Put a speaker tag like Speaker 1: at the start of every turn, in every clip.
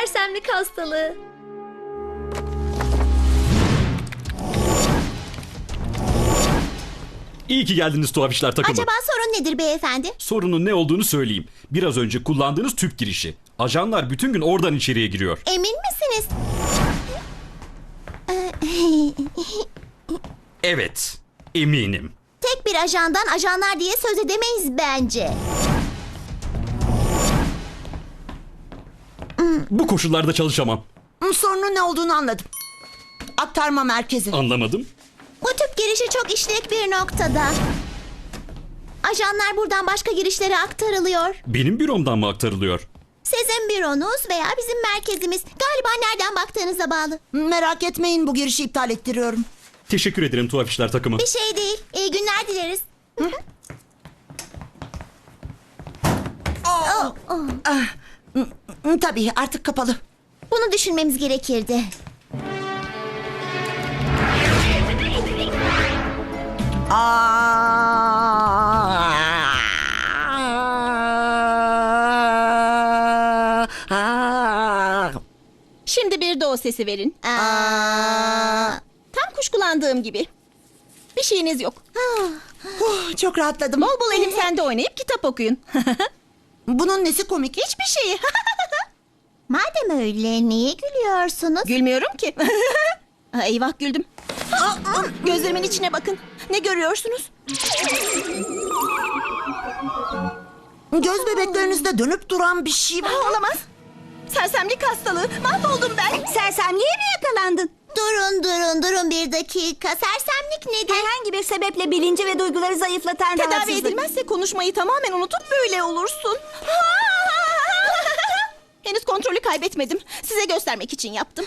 Speaker 1: sersemlik hastalığı.
Speaker 2: İyi ki geldiniz Tuhaf İşler takımı.
Speaker 3: Acaba sorun nedir beyefendi?
Speaker 2: Sorunun ne olduğunu söyleyeyim. Biraz önce kullandığınız tüp girişi. Ajanlar bütün gün oradan içeriye giriyor.
Speaker 3: Emin misiniz?
Speaker 2: Evet, eminim.
Speaker 3: Tek bir ajandan ajanlar diye söz edemeyiz bence.
Speaker 2: Bu koşullarda çalışamam.
Speaker 4: Sorunun ne olduğunu anladım. Aktarma merkezi.
Speaker 2: Anlamadım.
Speaker 3: Bu tüp girişi çok işlek bir noktada. Ajanlar buradan başka girişlere aktarılıyor.
Speaker 2: Benim büromdan mı aktarılıyor?
Speaker 3: Sizin büronuz veya bizim merkezimiz. Galiba nereden baktığınıza bağlı.
Speaker 4: Merak etmeyin, bu girişi iptal ettiriyorum.
Speaker 2: Teşekkür ederim Tuhaf İşler takımı.
Speaker 3: Bir şey değil. İyi günler dileriz.
Speaker 4: Tabii artık kapalı.
Speaker 3: Bunu düşünmemiz gerekirdi.
Speaker 5: Şimdi bir de o sesi verin. Tam kuşkulandığım gibi. Bir şeyiniz yok.
Speaker 4: Çok rahatladım.
Speaker 5: Bol bol elim sende oynayıp kitap okuyun.
Speaker 4: Bunun nesi komik?
Speaker 5: Hiçbir şeyi.
Speaker 3: Madem öyle niye gülüyorsunuz?
Speaker 5: Gülmüyorum ki. Eyvah güldüm. Gözlerimin içine bakın. Ne görüyorsunuz?
Speaker 4: Göz bebeklerinizde dönüp duran bir şey var.
Speaker 5: Olamaz. Sersemlik hastalığı. Mahvoldum ben. Sersemliğe mi yakalandın?
Speaker 3: Durun bir dakika. Sersemlik nedir?
Speaker 6: Herhangi bir sebeple bilinci ve duyguları zayıflatan
Speaker 5: Tedavi
Speaker 6: rahatsızlık.
Speaker 5: edilmezse konuşmayı tamamen unutup böyle olursun. Henüz kontrolü kaybetmedim. Size göstermek için yaptım.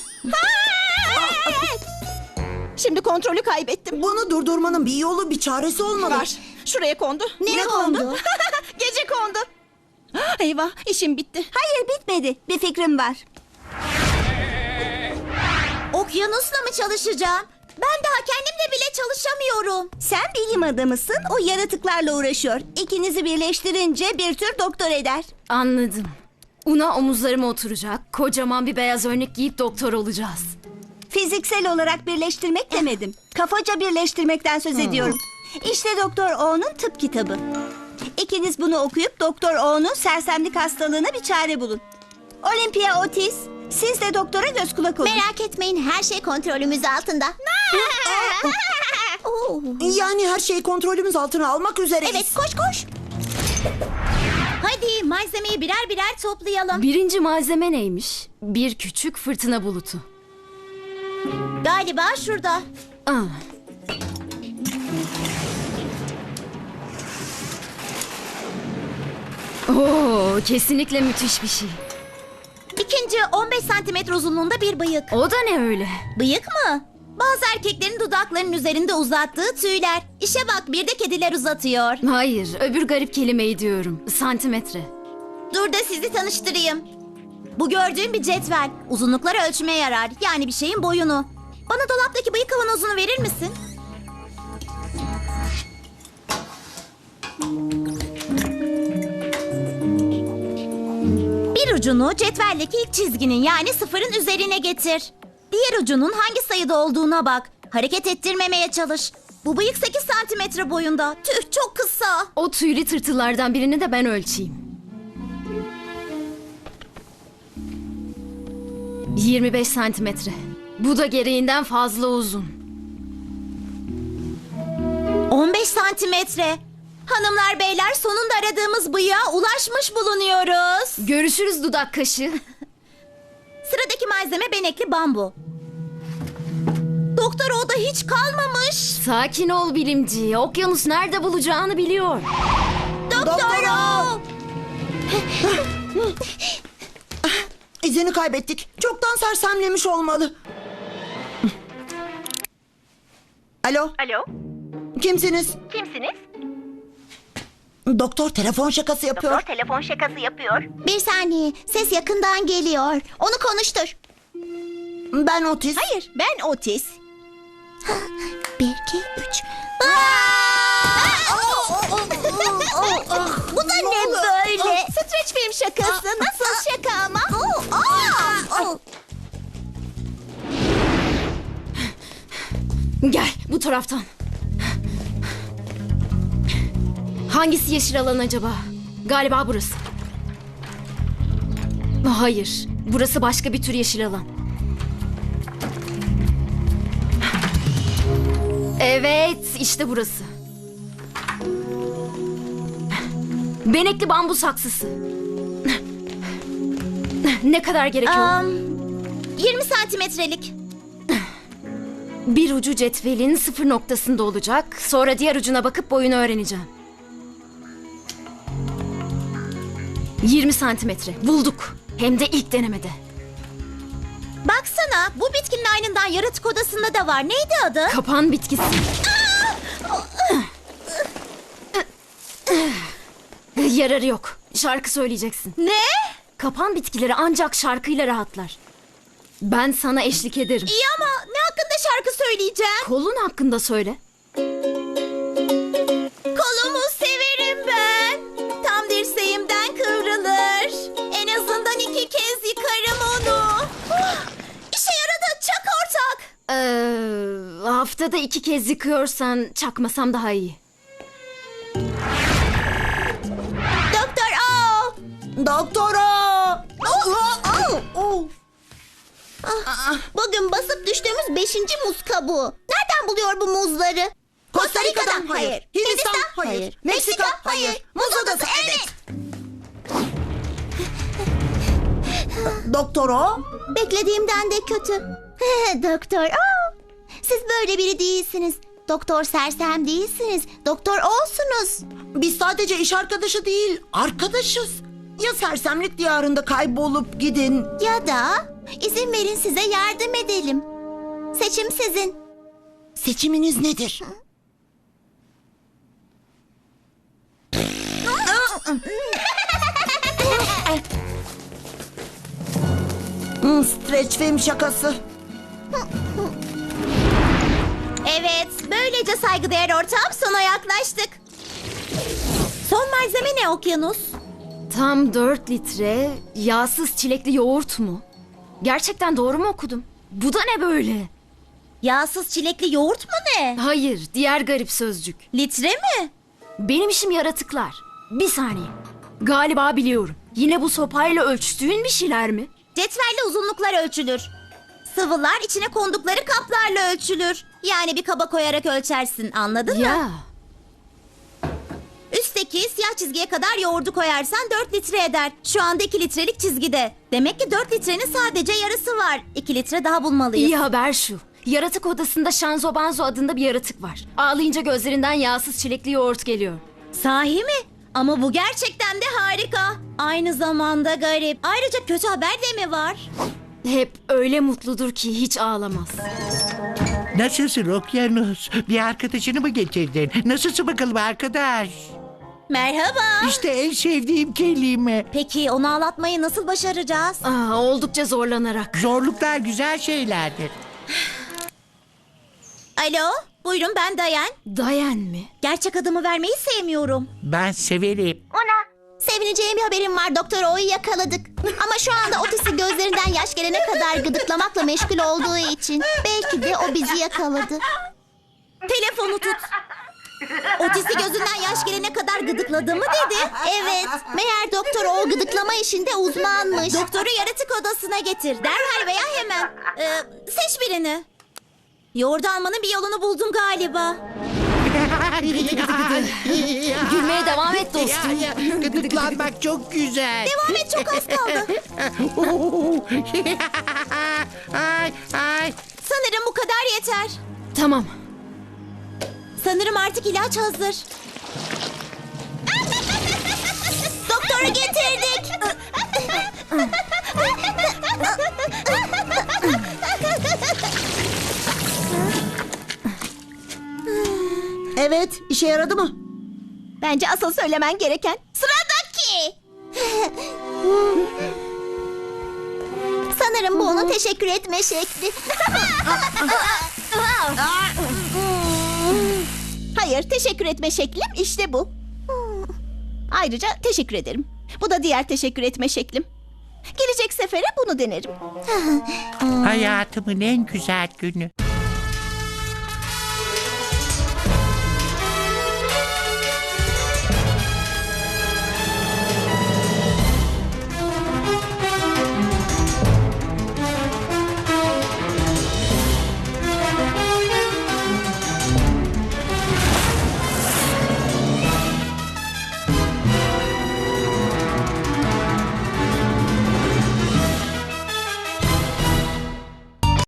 Speaker 5: Şimdi kontrolü kaybettim.
Speaker 4: Bunu durdurmanın bir yolu, bir çaresi olmalı.
Speaker 5: Var. Şuraya kondu.
Speaker 3: Ne kondu?
Speaker 5: Gece kondu. Eyvah, işim bitti.
Speaker 6: Hayır, bitmedi. Bir fikrim var.
Speaker 3: Okyanusla mı çalışacağım? Ben daha kendimle bile çalışamıyorum.
Speaker 6: Sen bilim adamısın, o yaratıklarla uğraşıyor. İkinizi birleştirince bir tür doktor eder.
Speaker 1: Anladım. Una omuzlarıma oturacak. Kocaman bir beyaz önlük giyip doktor olacağız.
Speaker 6: Fiziksel olarak birleştirmek demedim. Kafaca birleştirmekten söz ediyorum. İşte Doktor O'nun tıp kitabı. İkiniz bunu okuyup Doktor O'nun sersemlik hastalığına bir çare bulun. Olympia Otis, siz de doktora göz kulak olun.
Speaker 3: Merak etmeyin, her şey kontrolümüz altında. Oo.
Speaker 4: Yani her şeyi kontrolümüz altına almak üzereyiz.
Speaker 3: Evet, koş. Hadi malzemeyi birer birer toplayalım.
Speaker 1: Birinci malzeme neymiş? Bir küçük fırtına bulutu.
Speaker 3: Galiba şurada.
Speaker 1: Ah. Oo, kesinlikle müthiş bir şey.
Speaker 3: İkinci 15 santimetre uzunluğunda bir bıyık.
Speaker 1: O da ne öyle?
Speaker 3: Bıyık mı? Bazı erkeklerin dudaklarının üzerinde uzattığı tüyler. İşe bak, bir de kediler uzatıyor.
Speaker 1: Hayır, öbür garip kelimeyi diyorum. Santimetre.
Speaker 3: Dur da sizi tanıştırayım. Bu gördüğün bir cetvel. Uzunlukları ölçmeye yarar. Yani bir şeyin boyunu. Bana dolaptaki bıyık kavanozunu verir misin? Bir ucunu cetveldeki ilk çizginin yani sıfırın üzerine getir. Diğer ucunun hangi sayıda olduğuna bak. Hareket ettirmemeye çalış. Bu bıyık 8 santimetre boyunda. Tüh, çok kısa.
Speaker 1: O tüylü tırtıllardan birini de ben ölçeyim. 25 santimetre. Bu da gereğinden fazla uzun.
Speaker 3: 15 santimetre. Hanımlar beyler, sonunda aradığımız bıyığa ulaşmış bulunuyoruz.
Speaker 1: Görüşürüz dudak kaşı.
Speaker 3: Sıradaki malzeme benekli bambu. Doktor o da hiç kalmamış.
Speaker 1: Sakin ol bilimci. Okyanus nerede bulacağını biliyor.
Speaker 3: Doktor o.
Speaker 4: İzini kaybettik. Çoktan sersemlemiş olmalı. Alo,
Speaker 6: Alo,
Speaker 4: kimsiniz?
Speaker 6: kimsiniz?
Speaker 4: Doktor telefon şakası yapıyor.
Speaker 6: Telefon şakası yapıyor.
Speaker 3: Bir saniye, ses yakından geliyor. Onu konuştur.
Speaker 4: Ben Otis.
Speaker 5: Hayır, ben Otis.
Speaker 3: 1, 2, 3. Bu da ne böyle?
Speaker 5: Streç film şakası. Nasıl şaka ama?
Speaker 1: taraftan. Hangisi yeşil alan acaba? Galiba burası. Hayır, burası başka bir tür yeşil alan. Evet, işte burası. Benekli bambu saksısı. Ne kadar gerekiyor?
Speaker 3: 20 santimetrelik.
Speaker 1: Bir ucu cetvelin 0 noktasında olacak. Sonra diğer ucuna bakıp boyunu öğreneceğim. 20 santimetre. Bulduk. Hem de ilk denemede.
Speaker 3: Baksana, bu bitkinin aynından yaratık odasında da var. Neydi adı?
Speaker 1: Kapan bitkisi. Yararı yok. Şarkı söyleyeceksin.
Speaker 3: Ne?
Speaker 1: Kapan bitkileri ancak şarkıyla rahatlar. Ben sana eşlik ederim.
Speaker 3: İyi ama ne hakkında şarkı söyleyeceğim?
Speaker 1: Kolun hakkında söyle.
Speaker 3: Kolumu severim ben. Tam dirseğimden kıvrılır. En azından 2 kez yıkarım onu. İşe yaradı, çak ortak.
Speaker 1: Haftada 2 kez yıkıyorsan çakmasam daha iyi.
Speaker 3: Doktor O.
Speaker 4: Doktora!
Speaker 3: Bugün basıp düştüğümüz 5. muz kabuğu. Nereden buluyor bu muzları?
Speaker 4: Costa Rica'dan hayır. Hindistan hayır. Meksika hayır. Muz adası evet. Doktora?
Speaker 3: Beklediğimden de kötü. Doktor O. Siz böyle biri değilsiniz. Doktor Sersem değilsiniz. Doktor O'sunuz.
Speaker 4: Biz sadece iş arkadaşı değil, arkadaşız. Ya sersemlik diyarında kaybolup gidin.
Speaker 3: Ya da izin verin size yardım edelim. Seçim sizin.
Speaker 4: Seçiminiz nedir? Stretch film şakası.
Speaker 3: Evet, böylece saygıdeğer ortağım sona yaklaştık. Son malzeme ne Okyanus?
Speaker 1: Tam 4 litre yağsız çilekli yoğurt mu? Gerçekten doğru mu okudum? Bu da ne böyle?
Speaker 3: Yağsız çilekli yoğurt mu ne?
Speaker 1: Hayır, diğer garip sözcük.
Speaker 3: Litre mi?
Speaker 1: Benim işim yaratıklar. Bir saniye. Galiba biliyorum. Yine bu sopayla ölçtüğün bir şeyler mi?
Speaker 3: Cetvelle uzunluklar ölçülür. Sıvılar içine kondukları kaplarla ölçülür. Yani bir kaba koyarak ölçersin, anladın mı?
Speaker 1: Ya.
Speaker 3: Üstteki siyah çizgiye kadar yoğurdu koyarsan 4 litre eder. Şu anda 2 litrelik çizgide. Demek ki 4 litrenin sadece yarısı var. 2 litre daha bulmalıyız.
Speaker 1: İyi haber şu. Yaratık odasında Shanzo Banzo adında bir yaratık var. Ağlayınca gözlerinden yağsız çilekli yoğurt geliyor.
Speaker 3: Sahi mi? Ama bu gerçekten de harika. Aynı zamanda garip. Ayrıca kötü haber de mi var?
Speaker 1: Hep öyle mutludur ki hiç ağlamaz.
Speaker 7: Nasılsın Okyanus? Bir arkadaşını mı getirdin? Nasılsın bakalım arkadaş?
Speaker 3: Merhaba.
Speaker 7: İşte en sevdiğim kelime.
Speaker 3: Peki onu ağlatmayı nasıl başaracağız?
Speaker 1: Oldukça zorlanarak.
Speaker 7: Zorluklar güzel şeylerdir.
Speaker 3: Alo, buyurun ben Dayan.
Speaker 1: Dayan mı?
Speaker 3: Gerçek adımı vermeyi sevmiyorum.
Speaker 7: Ben severim.
Speaker 3: Sevineceğim bir haberim var. Doktor O'yu yakaladık. Ama şu anda Otis'i gözlerinden yaş gelene kadar gıdıklamakla meşgul olduğu için belki de o bizi yakaladı. Telefonu tut. Otis'i gözünden yaş gelene kadar gıdıkladı mı dedi? Evet. Meğer Doktor O gıdıklama işinde uzmanmış. Doktoru yaratık odasına getir. Derhal veya hemen. Seç birini. Yoğurdu almanın bir yolunu buldum galiba.
Speaker 1: Gülmeye devam et dostum.
Speaker 7: Gıdıklanmak çok güzel.
Speaker 3: Devam et, çok az kaldı.
Speaker 7: Ay, ay.
Speaker 3: Sanırım bu kadar yeter.
Speaker 1: Tamam.
Speaker 3: Sanırım artık ilaç hazır. Doktoru getirdik.
Speaker 4: Evet, işe yaradı mı?
Speaker 5: Bence asıl söylemen gereken
Speaker 3: Sıradaki. Sanırım bu onun teşekkür etme şekli.
Speaker 5: hayır, teşekkür etme şeklim işte bu. Ayrıca teşekkür ederim. Bu da diğer teşekkür etme şeklim. Gelecek sefere bunu denerim.
Speaker 7: Hayatımın en güzel günü.